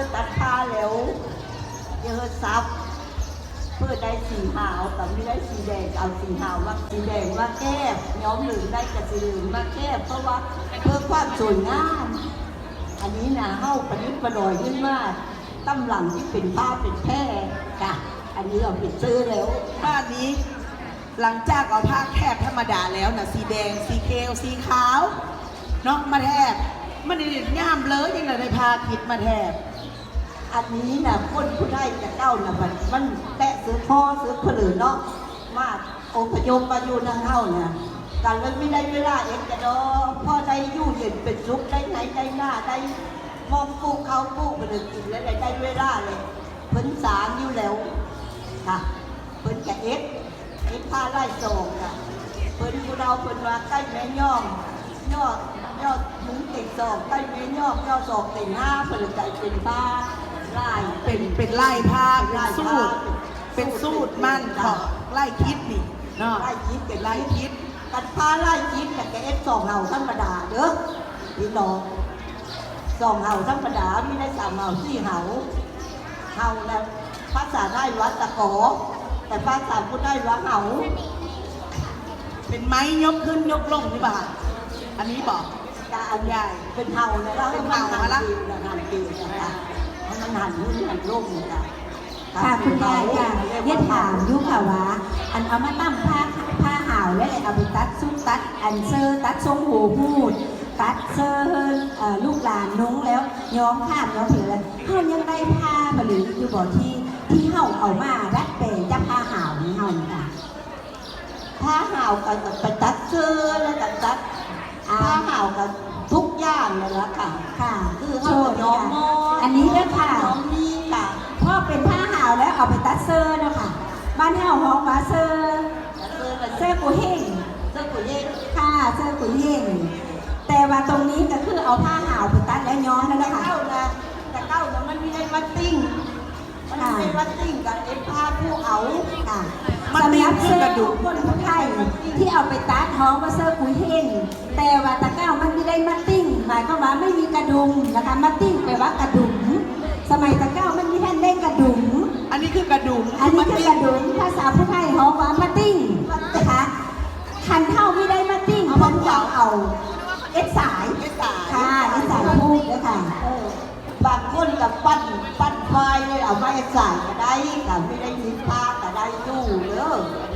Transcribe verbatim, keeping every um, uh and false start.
ตัดผ้าแล้วเยอะซับเพื่อได้สีขาวแต่ไม่ได้สีแดงเอาสีขาวมาสีแดงมาแก้ย้อมเหลืองได้กับสีเหลืองมาแก้เพราะว่าเพื่อความสวยงามอันนี้นะเข้าประดิษฐ์ประดอยขึ้นมาตั้มหลังที่เป็นผ้าเป็นแพร่ค่ะอันนี้เราปิดซื้อแล้วผ้านี้หลังจากเอาผ้าแคบธรรมดาแล้วนะสีแดงสีเขียวสีขาวเนาะมาแทบมันเด็ดง่ามเลยยังไงได้ผ้าคิดมาแทบอันนี้นะคนผู้ได้จะเก้านะมันมันแตะซื้อพ่อซื้อผลือเนาะมาองค์พยมมาอยู่นั่งเข้าเนี่ยการเล่นไม่ได้เวลาเองจะดอพ่อได้ยู่เย็นเป็นซุปได้ไหนได้หน้าได้มองปูเขาปูผลือกินแล้วได้ได้เวลาเลยเพิ่นสารอยู่แล้วค่ะเพิ่นจะเอ็ดเอ็ดผ้าไล่โศกค่ะเพิ่นผู้เราเพิ่นว่าใกล้แม่ย่อมยอดยอดมุ้งติดศอกใกล้แม่ย่อมยอดศอกติดห้าผลือใจเป็นผ้าไล่เป็นเป็นไล่ผ้าเป็นสูตรเป็นสูตรมันของไล่คิดนี่เนาะไล่คิดเป็นไล่คิดกันผ้าไล่คิดแต่แกเอ็ดสองเห่าธรรมดาเด้อพี่น้องสองเห่าธรรมดาไม่ได้สามเห่าสี่เห่าเห่าแล้วภาษาได้วัดตะกอแต่ภาษาพูดได้ว่าเห่าเป็นไม้ยกขึ้นยกลงนี่บ่าอันนี้บอกตาอันใหญ่เป็นเห่านะแล้วเป็นเห่ามาละหันปีนะคะมันหันขึ้นหันลงนะคะค่ะคุณยายค่ะเรียกถามยุคค่ะว่าอันเอามาตั้มผ้าผ้าห่าวแล้วเลยเอาไปตัดซุปตัดอันเซอร์ตัดทรงหูพูดตัดเซอร์ลูกหลานนุ้งแล้วย้อมข้ามย้อมเผือเขายังได้ผ้าผลิตอยู่บ่อที่ที่เห่าเอามาดัดแปลงจะผ้าห่าวนี่เห่าค่ะผ้าห่าวกับไปตัดเซอร์แล้วกับตัดผ้าห่าวกับทุกอย่างเลยละค่ะค่ะคือเขาย้อมมออันนี้ด้วยค่ะย้อมนี่ค่ะพ่อเป็นผ้าห่าวแล้วเอาไปตัดเซอร์เนาะค่ะบ้านเห่าห้องมาเซอร์เซอร์กุยเฮงเซอร์กุยเฮงค่ะเซอร์กุยเฮงแต่ว่าตรงนี้ก็คือเอาผ้าห่าวไปตัดแล้วย้อมแล้วนะคะเก้านะแต่เก้านะมันไม่ได้วัดติ้งมันไม่ได้วัดติ้งกับเอ็นผ้าผู้เอาค่ะสำหรับเสื้อทุกคนทุกไทยที่เอาไปตัดท้องว่าเสื้อกุยเฮงแต่ว่าตะเก้ามันไม่ได้มัดติ้งหมายความว่าไม่มีกระดุมนะคะมัดติ้งแปลว่ากระดุมสมัยตะเก้ามันมีแท่นเล่นกระดุมอันนี้คือกระดุมอันนี้คือกระดุมภาษาผู้ไทยเขาว่ามัดติ้งนะคะคันเท่าไม่ได้มัดติ้งคนจะเอาเอ็ดสายค่ะเอ็ดสายพูดเลยค่ะบางคนกับปั้นปั้นไฟเลยเอาไม้ใส่ก็ได้แต่ไม่ได้มีผ้าก็ได้ยู่เด้อ